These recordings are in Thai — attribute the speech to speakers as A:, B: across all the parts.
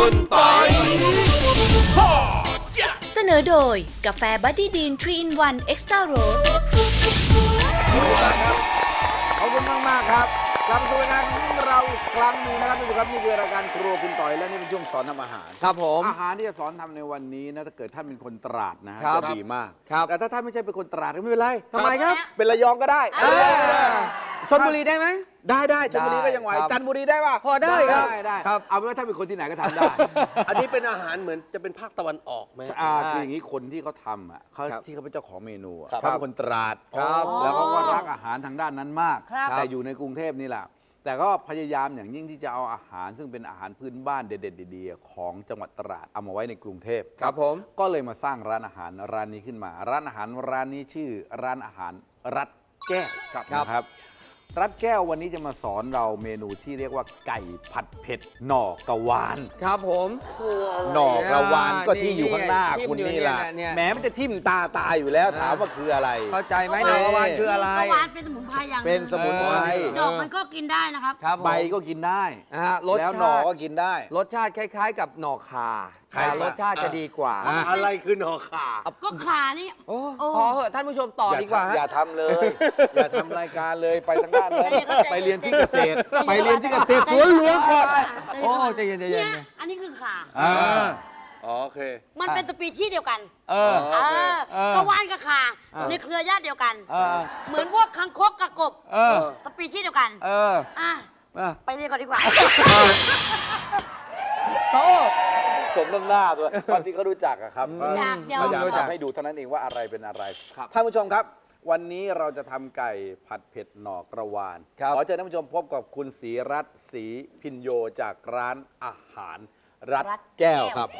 A: คุณปอย
B: เสนอโดยกาแฟบัดดี้ดีน 3-in-1 Extra Rose
C: ขอบคุณมากๆครับกลับมาสู่รายการของเราอีกครั้งหนึงนะครับทุกท่านนี่คือรายการครัวคุณต่อยและนี่เป็นช่วงสอนทำอาหาร
D: ครับผม
C: อาหารที่จะสอนทำในวันนี้นะถ้าเกิดท่านเป็นคนตราดนะฮะ
D: ครับ
C: จะดีมาก
D: ครับ
C: แต่ถ้าท่านไม่ใช่เป็นคนตราดก็ไม่เป็นไร
D: ทำไมครับ
C: เป็นระยองก็ได้
D: ชลบุรีได้ไหม
C: ได้ชลบุรีก็ยังไหว
D: ครับ
C: จันทบุรีได้ป่ะ
D: พอได้ครับ
C: ได้
D: ครับ
C: เอาเป็นว่าถ้าเป็นคนที่ไหนก็ทำได้
A: อันนี้เป็นอาหารเหมือนจะเป็นภาคตะวันออกไหม
C: คืออย่างนี้คนที่เขาทำอ่ะเขา
D: ครับ
C: ที่เขาเป็นเจ้าของเมนูอะ
A: ครับ
C: เขาเป็นคนตราด
D: ครับ
C: แล้วเขาก็รักอาหารทางด้านนั้นมาก
D: ครับ
C: แต่อยู่ในกรุงเทพนี่แหละแต่ก็พยายามอย่างยิ่งที่จะเอาอาหารซึ่งเป็นอาหารพื้นบ้านเด็ดๆดีๆของจังหวัดตราดเอามาไว้ในกรุงเทพ
D: ครับผม
C: ก็เลยมาสร้างร้านอาหารร้านนี้ขึ้นมา ร้านอาหารร้านนี้ชื่อร้านอาหารรัดแก้วนะครับรัดแก้ววันนี้จะมาสอนเราเมนูที่เรียกว่าไก่ผัดเผ็ดหน่อกระวาน
D: ครับผม
C: หน่อกระวานก็ที่อยู่ข้างหน้า
D: นี่
C: คุณนี่ล่ะ
D: เนี่ย
C: แหมมันจะทิ่มตาอยู่แล้วถามว่าคืออะไร
D: เข้าใจไหมหน่อกระวานคืออะไร
E: กระวานเป็นสมุนไพรอย่างหง
C: เป็นสมุนไพร
E: ดอกมันก็กินได้นะครับ
D: ครับผม
C: ใบก็กินได้
D: รส
C: แล้วห
D: ชา
C: น่อ
D: ติ
C: ก็กินได้
D: รสชาติคล้ายๆ กับหน่อคา
C: คล้ายๆ
D: แต่รสชาติจะดีกว่า
A: อะไรคือหนอขา
E: ก็ขานี่
D: โอ้
E: โอ้
D: พอเหอะท่านผู้ชมต่อดีกว่าฮะ
C: อย่าทำเลย อย่าทำรายการเลยไปทางด้านนั้น
E: ใจเย็นๆ
C: ไปเรียนที่เกษตร ไปเรียนที่เกษตรสวนหลวงก่อน
D: โอ้ใจเย็นใจเย็
E: เนี่
D: น
E: ยอันนี้คือขา
C: อ่า
A: โอเค
E: มันเป็นสปีชีส์เดียวกัน
D: เออ
A: โอเค
E: กระวานกับขา
D: เออ
E: ในเครือญาติเดียวกัน
D: เออ
E: เหมือนพวกคังคกกับกบ
D: เออ
E: สปีชีส์เดียวกัน
D: เออ
E: อ่ะ
D: เออ
E: ไปเรียนก่อนดีกว่า
D: โต
C: สมน้ำหน้าด้วยตอนที่เขารู้จักอะครับ
E: อยากยอม
C: พยายามทำให้ดูเท่านั้นเองว่าอะไรเป็นอะไรท่านผู้ชมครับ วันนี้เราจะทำไก่ผัดเผ็ดหน่อกระวาน
D: ครับ
C: ขอเชิญท่านผู้ชมพบกับคุณศรีรัตน์ศรีพินโยจากร้านอาหารรัดแก้วครับ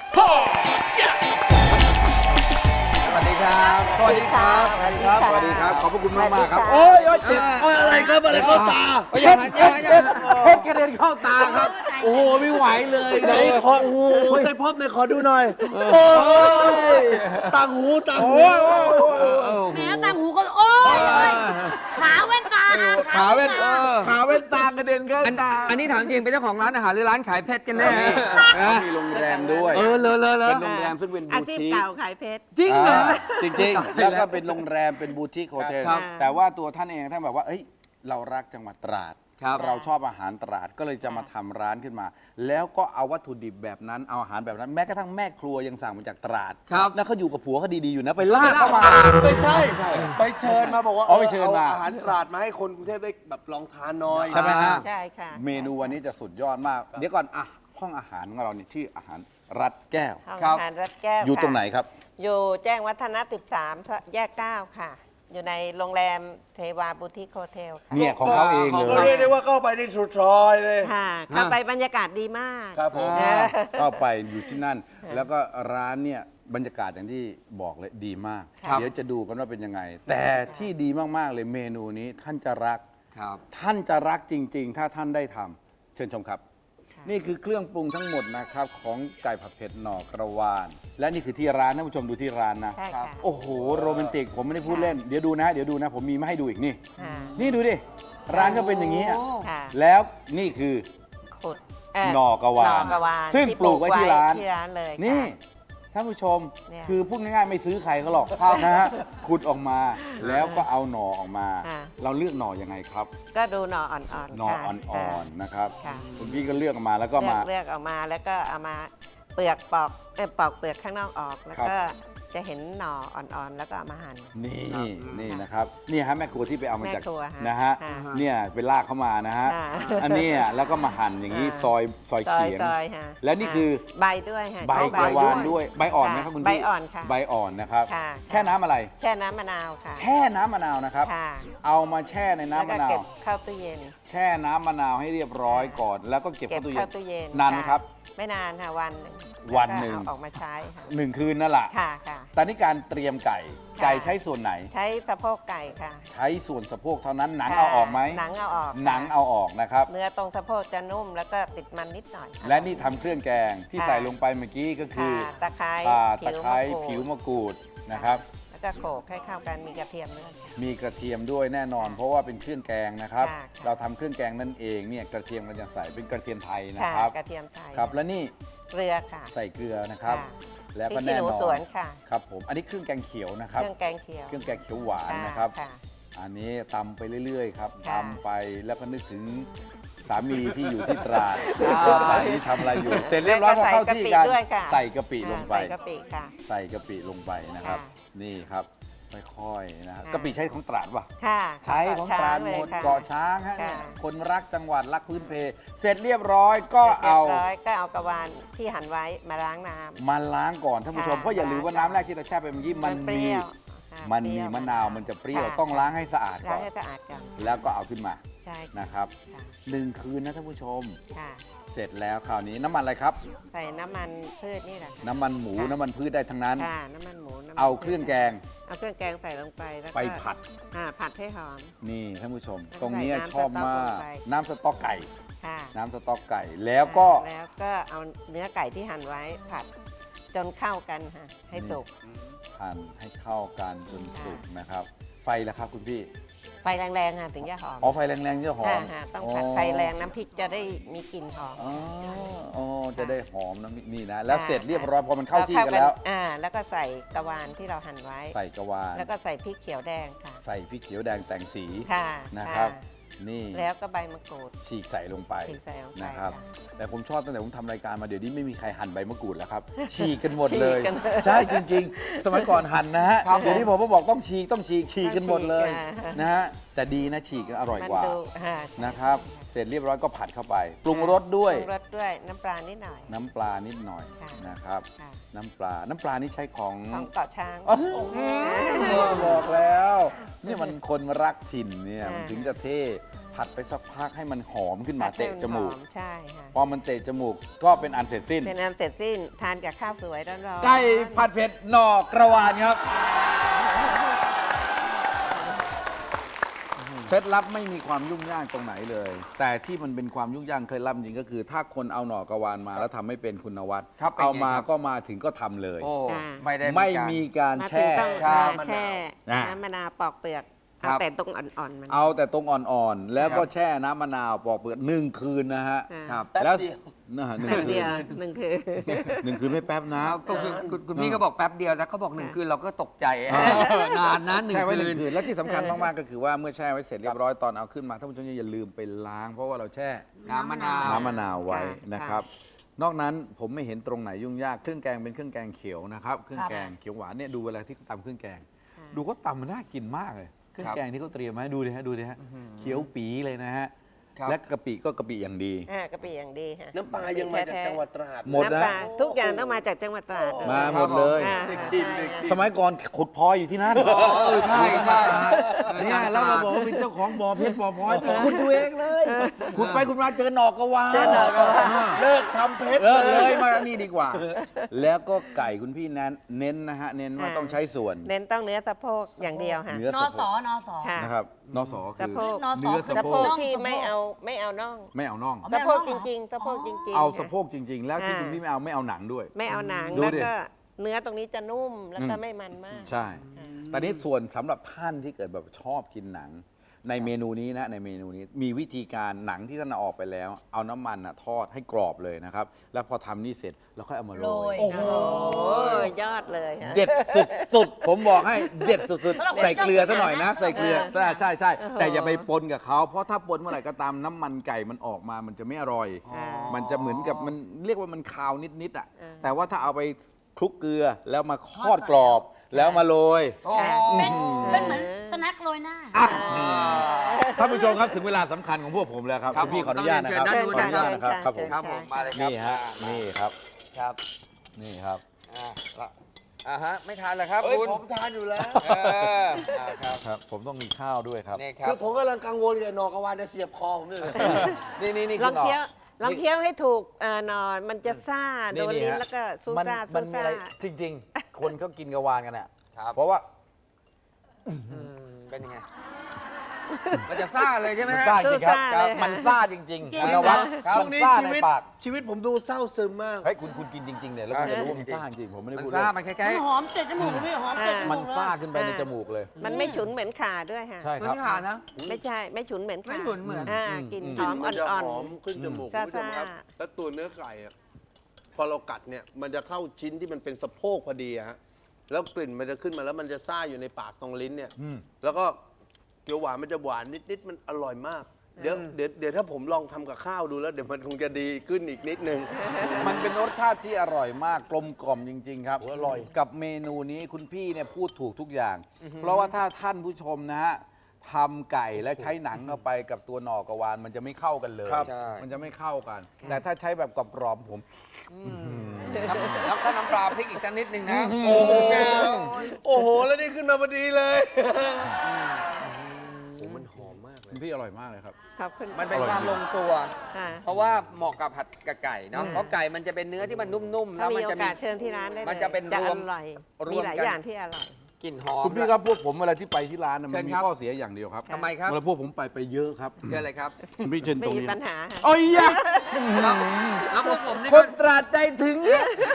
D: สวัสดีครับ
C: สวัสดีครับ สวัสดีครับ สวัสดีครับ ขอบพระคุณมากมากๆครับ
E: สวัสดีค่ะ
C: โอ้ยเจ็บ
A: อะไรครับอะไรเข้าตา
D: อย่าอย่าอย่า
C: เพชรกระเด็นเข้าตาครับ โอ้โหไม่ไหวเลย
A: ไหนขอโอ้โหในพบในขอดูหน่อย โอ้ยต่างหูต่างหู
E: แหมต่างหูก็โอ้ยขาแว่นตา
C: ขาเว้น
E: ตา
C: ขาเว้นตากระเด็นเข้าตา
D: อันนี้ถามจริงเป็นเจ้าของร้านอาหารหรือร้านขายเพชรกันแน่
C: เขามีโรงแรมด้วย
D: เลอ
C: เป็นโรงแรมซึ่งเป็น
F: อา
C: บู
F: ชีพ
C: ติก
F: เก่าขายเพชร
D: จริงเหรอ
C: จริงๆ แล้วก็เป็นโรงแรมเป็นบูติกโฮเทล
D: ครับ
C: แต่ว่าตัวท่านเองท่านแบบว่าเอ้ยเรารักจังหวัดตราด
D: ครับ
C: เราชอบอาหารตราดก็เลยจะมาทำร้านขึ้นมา แล้วก็เอาวัตถุดิบแบบนั้นเอาอาหารแบบนั้นแม้กระทั่งแม่ครัวยังสั่งมาจากตราด
D: ครับ
C: แล้วเขาอยู่กับผัวเขาดีๆอยู่นะไปลากเข้ามา
A: ไม่ใช่ ไปเชิญมาบอกว่า
C: อ๋อไปเชิญมา
A: อาหารตราดมาให้คนกรุงเทพได้แบบลองทานหน้อย
C: ใช่ไหมฮะ
F: ใช่ค่ะ
C: เมนูวันนี้จะสุดยอดมาก เดี๋ยวก่อนอ่ะห้องอาหารของเราเนี่ยชื่ออาหารรัดแก้ว
F: ห้อง
D: ครับ
F: อาหารรัดแก้ว
C: อยู่
F: ค่ะ
C: ตรงไหนครับ
F: อยู่แจ้งวัฒนะ13 แยก 9 ค่ะ อยู่ในโรงแรมเทวาบูติคโฮเทลค่ะ
C: เนี่ยของเขาเองเล
A: ก็เรีย
C: ย
A: กได้ว่าเข้าไปในสุดซอยเลย
F: ค่ะเข้าไปบรรยากาศดีมาก
A: ครับผม
C: ก็ไปอยู่ที่นั่น แล้วก็ร้านเนี่ยบรรยากาศอย่างที่บอกเลยดีมาก
D: ครับ
C: เดี๋ยวจะดูกันว่าเป็นยังไง แต่ที่ดีมาก ๆ เลยเมนูนี้ท่านจะรัก
D: ครับ
C: ท่านจะรักจริง ๆ ถ้าท่านได้ทำเชิญชมครับ นี่คือเครื่องปรุงทั้งหมดนะครับ ของไก่ผัดเผ็ดหน่อกระวาน และนี่คือที่ร้านท่านผู้ชมดูที่ร้านนะ
F: ใช่ค่ะ
C: โอ้โหโรแมนติกผมไม่ได้พูดเล่นเดี๋ยวดูนะผมมีมาให้ดูอีกนี่
F: ค่ะ
C: นี่ดูดิร้านก็เป็นอย่างนี้อะ
F: ค่ะ
C: แล้วนี่คือ
F: ขุด
C: หน่อกระวาน
F: หน่อกระวาน
C: ซึ่งปลูกไว้ที่ร้าน
F: ที่ร้านเลยค่ะ
C: นี่ท่านผู้ชม
F: เนี่ย
C: คือพูดง่ายๆไม่ซื้อใครเขาหรอกนะฮะขุดออกมาแล้วก็เอาหน่อออกมา
F: ค่ะ
C: เราเลือกหน่อยังไงครับ
F: ก็ดูหน่ออ่อนๆ
C: หน่อ
F: ค่ะ
C: อ่อนๆนะครับ
F: ค่ะ
C: คุณพี่ก็เลือกออกมาแล้วก็มา
F: เลือกออกมาแล้วก็เอามาเปลือกปอกปอกเปลือกข้างนอกออก แล้วก็จะเห็นหน่ออ่อนๆ แล้วก็เอามาหั่น
C: นี่นะครับนี่ฮะแม่ครัวที่ไปเอามาจาก
F: แม่ครัวฮะ
C: นะฮะ
F: ค่ะ
C: เนี่ยไปลากเข้ามานะฮะ
F: ค่ะ
C: อันเนี้ยแล้วก็มาหั่นอย่างนี้ซอย
F: ซอย
C: เฉียง
F: ฮะ
C: และนี่คือ
F: ใบด้วยฮะ
C: ใบ
F: ใช้
C: กระวานด้วยใบอ่อนไหมครับคุณพี่
F: ใบอ่อนค่ะ
C: ใบอ่อนนะครับ
F: ค่ะ
C: แช่น้ำอะไร
F: แช่น้ำมะนาวค่ะ
C: แช่น้ำมะนาวนะครับ
F: ค่ะ
C: เอามาแช่ในน้ำ
F: แล้ว
C: มะ
F: ก็
C: นา
F: เก็
C: ว
F: บเข้าตู้เย็น
C: แช่น้ำมะนาวให้เรียบร้อยก่อน แล้วก็เก็บ
F: เก็บ
C: เข้าตู้เย็
F: เข้าน ตู้เย็น
C: นานไหมครับ
F: ไม่นานค่ะวันหนึ่ง
C: วันหนึ่ง
F: แล้วก็เอาออกมาใช้ค่ะ
C: 1 คืนนั่นแหละ
F: ค่ะค่ะ
C: แต่นี่การเตรียมไก่
F: ค่ะ
C: ไก่ใช้ส่วนไหน
F: ใช้สะโพกไก่ค่ะ
C: ใช้ส่วนสะโพกเท่านั้นหนัง
F: ค่ะ
C: เอาออกไหม
F: หนังเอาออก
C: หนังเอาออกนะครับ
F: เนื้อตรงสะโพกจะนุ่มแล้วก็ติดมันนิดหน่อยค่
C: และนี่ทำเครื่องแกงที่
F: ค่ะ
C: ใส่ลงไปเมื่อกี้ก็คือ
F: ค่ะตะไคร้
C: ตะไคร้ผิวมะกรูดนะครับ
F: ก็โขลกให้เข้ากันมีกระเทียมด้วย
C: มีกระเทียมด้วยแน่นอน เพราะว่าเป็นเครื่องแกงนะครับ
F: ค่ะ
C: เราทำเครื่องแกงนั่นเองเนี่ยกระเทียมเราจะใส่เป็นกระเทียมไทยนะ
F: ค่ะ
C: ครับ
F: กระเทียมไทย
C: ครับและนี่
F: เกลือค่ะ
C: ใส่เกลือนะครับ
F: ค่ะ
C: แล้ว
F: พริ
C: ก็
F: กขี้
C: แน่
F: หนู
C: นอน
F: สวนค่ะ
C: ครับผมอันนี้เครื่องแกงเขียวนะครับ
F: เครื่องแกงเขียว
C: เครื่องแกงเขียวหวานนะครับ
F: ค่ะ
C: อันนี้ตำไปเรื่อยๆครับ
F: ค่ะ
C: ตำไปแล้วก็นึกถึงสามีที่อยู่ที่ตราดว่าตอนนี้ทำอะไรอยู่ เสร็จเรียบร้อยพอเข้าที่กัน
F: ใส่กะปิด้วยค่ะ
C: ใส่กะปิลงไป
F: ใส่กะปิค่ะ
C: ใส่กะปิลงไปนะครับ
F: ค่ะ
C: นี่ครับค่อยๆนะครับ
F: ค่ะ
C: กะปิใช้ของตราดป่ะ
F: ค่ะ
C: ใช้ของตราดหมด
F: ค่ะ
C: เกาะช้างฮะ
F: ค่ะ
C: คนรักจังหวัดรักพื้นเพ เสร็จเรียบร้อยก็เอา
F: เรียบร้อยก็เอากระวานที่หั่นไว้มาล้างน้ำ
C: มาล้างก่อนท่านผู้ชม
F: ค่ะ
C: เพราะอย่าลืมว่าน้ำแรกที่เราแช่ไปเมื่อกี้มัน
F: เป
C: มี
F: รี้ยวค่ะ
C: มัน
F: เป
C: มี
F: รี้ยว
C: มะนาวมันจะเปรี้ยว
F: ค่ะ
C: ต้องล้างให้สะอาด
F: ล้า
C: ก่
F: ง
C: อน
F: ให้สะอาดก่อน
C: แล้วก็เอาขึ้นมา
F: ใช่ค่ะ
C: นะครับ
F: ค่ะ
C: 1 คืนนะท่านผู้ชม
F: ค่ะ
C: เสร็จแล้วคราวนี้น้ำมันอะไรครับ
F: ใส่น้ำมันพืชนี่แหละค่ะ
C: น้ำมันหมู
F: ค่ะ
C: น้ำมันพืชได้ทั้งนั้น
F: ค่ะน้ำมันหมูน้ำมัน
C: เอาเครื่องแกง
F: เอาเครื่องแกงใส่ลงไปแล้วก็
C: ไปผัด
F: ผัดให้หอม
C: นี่ท่านผู้ชม
F: แล้ว
C: ตรงนี้
F: ใส่น้ำ
C: ชอบมาก
F: สต๊อกลงไป
C: น้ำสต๊อกไก่
F: ค่ะ
C: น้ำสต๊อกไก่แล้วก็
F: แล้วก็เอาเนื้อไก่ที่หั่นไว้ผัดจนเข้ากันค่ะให้สุก
C: หั่นให้เข้ากันจนสุกนะครับ ไฟละครับคุณพี่
F: ไฟแรงๆค่ะถึงจะหอม
C: อ๋อไฟแรงๆจะหอม
F: ค่ะต้องผัดไฟแรงน้ำพริกจะได้มีกลิ่นหอม
C: อ๋ออ๋อจะได้หอมนะนี่นะ แล้วเสร็จเรียบร้อยพอมันเข้าที่กันแล้ว
F: แล้วก็ใส่กระวานที่เราหั่นไว้
C: ใส่กระวาน
F: แล้วก็ใส่พริกเขียวแดงค่ะ
C: ใส่พริกเขียวแดงแต่งสี
F: ค่ะ
C: นะครับ
F: ค่ะ
C: นี่
F: แล้วก็ใบมะกรูด
C: ฉีกใส่ลงไป
F: ฉีกใส่ลงไป
C: นะครับ
F: ค่ะ
C: แต่ผมชอบตั้งแต่ผมทำรายการมาเดี๋ยวนี้ไม่มีใครหั่นใบมะกรูดแล้วครับ ฉีกกันหมดเลย
F: ฉีกกันเลย
C: ใช่จริง ๆ สมัยก่อนหั่นนะฮะ
D: ครับ
C: เดี๋ยวนี้ผมก็บอกต้องฉีกกันหมดเลย
F: ค่ะ
C: นะฮะแต่ดีนะฉีกอร่อย
F: มัน
C: กว่า
F: ดูค่ะ
C: นะครับ เสร็จเรียบร้อยก็ผัดเข้าไป ปรุงรสด้วย
F: ปรุงรสด้วยน้ำปลานิดหน่อย
C: น้ำปลานิดหน่อย
F: ค่ะ
C: นะครับ
F: ค่ะ
C: น้ำปลานี่ใช้ของ
F: ของเกาะช้าง
C: อ๋อบอกแล้วนี่มันคนรักถิ่นเนี่ย
F: ค่ะ
C: มันถึงจะเท่ผัดไปสักพักให้มันหอมขึ้นมาเตะจมูก
F: หอใช่ค่ะ
C: พอมันเตะจมูกก็เป็นอันเสร็จสิ้น
F: เป็นอันเสร็จสิ้นทานกับข้าวสวยร้อนๆ
C: ไก่ผัดเผ็ดหน่อกระวานครับเคล็ดลับไม่มีความยุ่งยากตรงไหนเลย แต่ที่มันเป็นความยุ่งยากเคล็ดลับจริงก็คือ ถ้าคนเอาหน่อกระวานมาแล้วทำไม่เป็นคุณนวัด
D: ครับเป็นไง
C: เอามา
D: ครับ
C: ก็มาถึงก็ทำเลย
D: โอ้
F: ค่ะ
D: ไม่ได้
C: ไม่มีการ
F: มาถึ
C: แช่
F: งต้อง
D: ครับ
F: แช่
C: นะ
F: น้ำมะนาวปอกเปลือก
D: ครั
F: เอา
D: บ
F: แต่ตรงอ่อนๆมัน
C: เอาแต่ตรงอ่อนๆ แล้วก็
D: ครับ
C: แช่น้ำมะนาวปอกเปลือก1 คืนนะฮะ
F: ครับ
A: แป๊บ
C: แล้ว
A: เดียว
C: นะฮะหนึ่ง
F: แป๊บ
C: คื
F: เดี
C: น
F: ยวหนึ่งคือ
C: 1 คืนไม่แป๊บนะ
D: ก็คือคุณพี่ก็บอกแป๊บเดียวแล้วเขาบอก1 คืนเราก็ตกใจนานนะ1
C: แช่ไว้
D: คืน
C: 1 คืน และที่สำคัญมาก ๆ ก็คือว่าเมื่อแช่ไว้เสร็จเรียบร้อยตอนเอาขึ้นมาท่านผู้ชมอย่าลืมไปล้าง เพราะว่าเราแช่
D: น้ำมะนาว
C: น้ำมะนาวไว้
F: ค่ะ
C: นะครับ นอกนั้นผมไม่เห็นตรงไหนยุ่งยากเครื่องแกงเป็นเครื่องแกงเขียวนะครับเครื่องแกงเขียวหวานเนี่ยดูเวลาที่เขาตำเครื่องแกง
F: ค่ะ
C: ดูเขาตำมันน่ากินมากเลยเครื่องแกงที่เขาเตรียมมาให้ดูดิฮะเขียวปีเลยนะฮะ
D: ครับ
C: และกะปิก็กะปิอย่างดี
F: กะปิอย่างดีค่ะ
A: น้ำปลายังมาจากจังหวัดตราด
C: หมดนะ
F: น้ำปลาทุกอย่างต้องมาจากจังหวัดตราด
C: มาหมดเลย
F: ค่ะ
A: เด็กกินเด็กกิน
C: สมัยก่อนขุดพลอยอยู่ที่นั่น
D: ใช่ใช่
C: เนี่ยแล้วเราบอกว่าเป็นเจ้าของบ่อเพชรบ่อพลอยไปขุดดูเองเลยขุดไปขุดมาเจอหนอกกระวาน
A: เลิกทำเพชร
C: เลิกเลยมานี่ดีกว่า แล้วก็ไก่คุณพี่เน้นนะฮะเน้นว่าต้องใช้ส่วน
F: เน้นต้องเนื้อสะโพกอย่างเดียวค่ะ
C: เนื้อน
E: อ
C: สะโพ
E: สอก นอสอ
F: ค่ะ
C: นะครับนอสอคื
F: สะ
C: อ
F: โพก
E: นอสอ
C: เนื้อสะ
F: สะ
C: โพ
F: โพ
C: ก
F: กที่ไม่เอาน่อง
C: ไม่เอาน่อง
F: สะโพกจริงๆสะโพกจริงๆ
C: เอา
F: ค่ะ
C: สะโพกจริง ๆ แล้วที่คุณพี่ไม่เอาหนังด้วย
F: ไม่เอาหนัง
C: ดู
F: แล้ว
C: ดิ
F: ก็เนื้อตรงนี้จะนุ่มแล้วก็
C: อืม
F: ไม่มันมาก
C: ใช่แต่นี้ส่วนสำหรับท่านที่เกิดแบบชอบกินหนัง ในเมนูนี้นะในเมนูนี้มีวิธีการหนังที่ท่านเอาออกไปแล้ว เอาน้ำมันทอดให้กรอบเลยนะครับ แล้วพอทำนี่เสร็จแล้วค่อยเอามาโร
E: โร
C: ย
E: ย
A: โอ้โห
F: โอ้ยยอดเลยฮะ
C: เด็ดสุดๆ ผมบอกให้เด็ดสุด
E: สำหรับ
C: ๆ ใส่เกลือซะหน่อยนะ
E: คนชอบ
C: ใส่เกลือ
F: กินหนัง
C: ใช่แต่อย่าไปปนกับเขาเพราะถ้าปนเมื่อไหร่ก็ตามน้ำมันไก่มันออกมามันจะไม่อร่อย มันจะเหมือนกับมันเรียกว่ามันคาวนิดๆอ่ะแต่ว่าถ้าเอาไปคลุกเกลือแล้วมาทอดกรอบแล้วมาโรย
D: โอ้
E: เป็นเหมือนสแน็คโรยหน้า
C: ท่านผู้ชมครับถึงเวลาสำคัญของพวกผมแล้วครับ
D: ครับ
C: ณพี่ขออนุญาตนะครับ
D: เชิญ
C: ขออนุญาตนะครับ
F: เชิญ
C: ครับผม
D: ครับผมมาเลยครับ
C: นี่ฮะนี่ครับ
D: ครับ
C: นี่ครับ
D: ฮะไม่ทานเหรอครับ
A: เอ้ย
D: คุณ
A: ผมทานอยู่แล้ว
D: ครับ
C: ครับ ผมต้องมีข้าวด้วยครับ
D: นี่ครั
A: คื
D: บ
A: อผมกำลังกังวลกับหนอกกระวานจะเสียบคอผมเลย
C: นี่
F: ล
C: คือ อง หน่อ
F: เคี้ยวลองเคี้ยวให้ถูกหนอนมันจะซ่าโดนลิ้น
C: ฮะ
F: แล้วก็ซู
C: มัน
F: ซ่า
C: มั
F: ซู
C: นมี
F: ซ่า
C: อะไรจริง ๆ คนเขากินกระวานกันอ่ะ
D: ครับ
C: เพราะว่า
D: เป็นยังไงมันจะซ่าเลยใช่ไหม
C: มัน
D: ฮะ
C: ซ่าจริงครับ
F: ซ่าเลยค่ะ
C: มันซ่าจริงๆ
E: เก่ง
C: คุณนวัด
A: ช่
C: มั
A: วน งนี้
C: ซ่า
A: ชี
C: ใน
A: วิต
C: ปาก
A: ชีวิตผมดูเศร้าซึมมาก
C: เฮ้ยคุณกินจริงๆเนี่ยแล้วคุณจะรู้ว่ามันซ่าจริงผมไม่ได้
D: มัน
C: พูด
D: ซ่า
C: เล่น
D: มันคล้า
E: มั
D: ย
E: นหอมเตะจมูกเลยพี่หอมเตะจมูก
C: มันซ่า
E: เลย
C: ขึ้นไปในจมูกเลย
F: มันไม่ฉุนเหมือนข่าด้วยค่ะ
C: ใช่
D: ๆเหมื
C: ค
D: อ
C: รับ
D: นขานะ
F: ไม่ใช่ไม่ฉุนเหมือนข่า
D: ไม่ฉุนเหมือน
F: กลิ่น
C: อืม
F: ห
A: กลิ่
F: อน ม
A: มันจะ
F: อ่อน
A: หอมขึ้นจมูก
F: ซ่า
A: คุณผู้ชมครับ
F: ๆ
A: แล้วตัวเนื้อไก่อะพอเรากัดเนี่ยมันจะเข้าชิ้นที่มันเป็นสะโพกพอดีอะฮะแล้วกลิ่นมันจะขึ้นมาแล้วมันจะซ่าอยู่ในปากตรงลิ้นเนี่ย
C: อืม
A: แล้วก็เกี๊ยวหวานมันจะหวานนิดๆมันอร่อยมาก เดี๋ยวถ้าผมลองทำกับข้าวดูแล้วเดี๋ยวมันคงจะดีขึ้นอีกนิดนึง
C: มันเป็นรสชาติที่อร่อยมากกลมกล่อมจริง ๆ ครับอร่อยกับเมนูนี้คุณพี่เนี่ยพูดถูกทุกอย่าง เพราะว่าถ้าท่านผู้ชมนะฮะทำไก่และใช้หนังเข้าไปกับตัวหน่อกระวานมันจะไม่เข้ากันเลย
A: ครับ
D: ใช่
C: มันจะไม่เข้ากัน แต่ถ้าใช้แบบกรอบๆผม
D: แล้วก็น้ำปลาพริกอีกสักนิดนึงนะ
A: โอ้โหโอ้โห แล้วนี่ขึ้นมาพอดีเลยโอ้มันหอมมากเล
C: คุ
A: ย
C: ณพี่อร่อยมากเลยครับ
F: ขอบคุณ
D: มันเป็นความลงตัว
F: ค่ะ
D: เพราะว่าเหมาะกับผัดกับไก่เนาะเพราะไก่มันจะเป็นเนื้อที่มันนุ่มๆ
F: ถ้า
D: แล้ว
F: มี
D: มัน
F: โอ
D: จะมี
F: กาสเชิญที่ร้านได้เลย
D: มันจะเป็น
F: จะ
D: ร
F: อ
D: วม
F: ร่อย
D: รวม
F: มีหลาย
D: กัน
F: อย่างที่อร่อย
D: กลิ่นหอม
C: คุณพี่ครับพวกผมเวลาที่ไปที่ร้านน่ะมัน
D: เชิญ
C: มี
D: ครับ
C: ข้อเสียอย่างเดียวครับ
D: ทำไมครับ
C: เวลาพวกผมไปเยอะครับ
D: เชื่ออะไรครับ
C: คุณพี่เชิญ
F: ไม่
C: ตรง
F: มี
C: นี้
F: ปัญหาค่ะ
C: โอ้ยยะ
D: แล้วพวกผมนี่
C: ค
D: ก็
C: นตราดใจถึง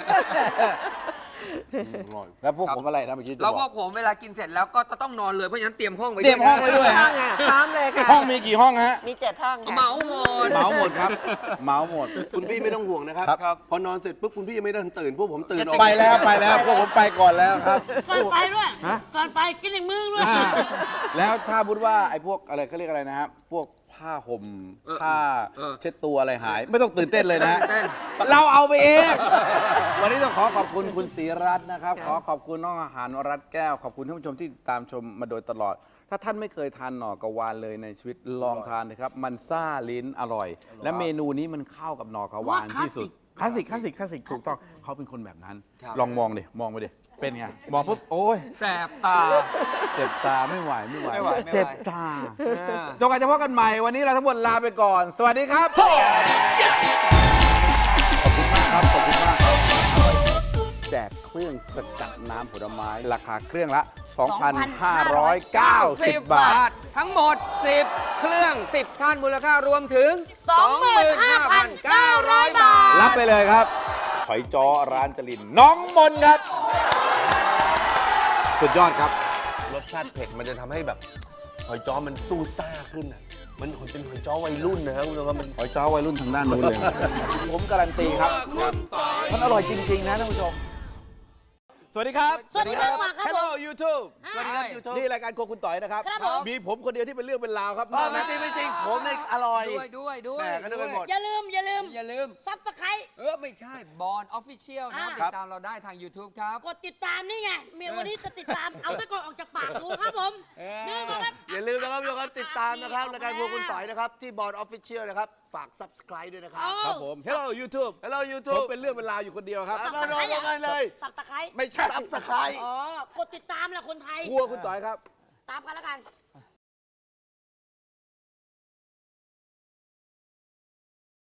C: อร่อยแล้วพวกผมอะไรนะเมื่อกี้จะ
D: แล้ว
C: บ
D: พ
C: อ
D: ว
C: ก
D: กผมเวลากินเสร็จแล้วก็จะต้องนอนเลยเพราะฉะนั้นเตรียมห้องไว้
C: เตรียมห้องไว้ด้วย
F: ห้อ
C: ฮะ
F: งอ่ะพร้อมเลยค่ะ
C: ห้องมีกี่ห้องฮะ
F: มี7 ห้องค่ะ
D: เมาหมด
C: เหมาหมดครับเหมาหมด
A: คุณพี่ไม่ต้องห่วงนะครับ
C: ครับ
A: พอนอนเสร็จปุ๊บคุณพี่ยังไม่ได้ตื่นพวกผมตื่นออก
C: ไปแล้วพวกผมไปก่อนแล้วครับ
E: ก่อนไปด้วย
C: ฮะ
E: ก่อนไปกินอีกมื้อด้วย
C: แล้วถ้าพูดว่าไอ้พวกอะไรเขาเรียกอะไรนะครับพวกผ้าห่มผ้าเช็ดตัวอะไรหาย ไม่ต้องตื่นเต้นเลยนะฮะ
D: เต้น
C: เราเอาไปเอง วันนี้ต้องขอขอบคุณคุณศรีรัตน์นะครับ ขอขอบคุณน้องอาหารรัตน์แก้ว ขอบคุณท่านผู้ชมที่ตามชมมาโดยตลอด ถ้าท่านไม่เคยทานหน่อกระวานเลยในชีวิตลองทานนะครับ มันซ่าลิ้นอร่อย และเมนูนี้มันเข้ากับหน่อกระวานที่สุด คลาสสิกถูกต้องเขาเป็นคนแบบนั้น
D: ครับ
C: ลองมองดิมองไปดิเป็นไงมองปุ๊บโอ้ย
D: แสบตา
C: เจ็บตาไม่ไหว
D: ไม่ไหว
C: เจ็บตาจนกว่าจะพบกันใหม่ วันนี้เราทั้งหมดลาไปก่อน สวัสดีครับ ขอบคุณมากครับ ขอบคุณมากครับแจกเครื่องสกัดน้ำผลไม้ ราคาเครื่องละ 2,590 บาท
D: ทั้งหมด 10 เครื่อง 10 ท่านมูลค่ารวมถึง
E: 25,900 บาท
C: รับไปเลยครับหอยจ้อร้านจรินน้องมนครับ สุดยอดครับ
A: รสชาติเผ็ดมันจะทำให้แบบหอยจ้อมันสู้ซ่าขึ้นอ่ะมันเป็นหอยจ้อวัยรุ่นนะครับคุณผู้ชมครับมัน
C: หอยจ้อวัยรุ่นทางด้านนู้นเลย ผมการันตีครับ มันอร่อยจริง ๆ นะท่านผู้ชม สวัสดีครับ
E: สวัสดีครับมาครับ
C: Hello YouTube
E: สวัสดีครับ
A: YouTube
C: นี่รายการโครัวคุณต่อยนะครับ
E: ครับผม
C: มีผมคนเดียวที่เป็นเรื่องเป็นราวครับ
A: ไม่จริงผมเนี่ยอร่อย
D: ด้วย
A: แหม่ก็นึกไปหมด
E: อย่าลืม
D: อย่าลืม
E: ซับสไครต์
D: ไม่ใช่บอลออฟฟิเชียลนะ
E: อ่า
D: ติดตามเราได้ทาง YouTube ครับ
E: กดติดตามนี่ไงเมียวันนี้จะติดตาม เอาตะกอนออกจากปากดูครับผมนี่ครับ
A: อย่าลืมนะครับทุกคนติดตามนะครับรายการครัวคุณต่อยนะครับที่บอร์ดออฟฟิเชียลนะครับฝาก Subscribe ด้วยนะครับ
C: ครับผม Hello YouTube
A: Hello
C: ผม
A: YouTube
C: เป็นเรื่องเป็นราวอยู่คนเดียวครับ
A: มาลงกันเลย
E: สับตะไคร้
C: ไม่ใช่
A: Subscribe
E: อ๋อกดติดตามแหละคนไทย
C: ครัวคุณต่อยครับ
E: ตามกันแล้วกัน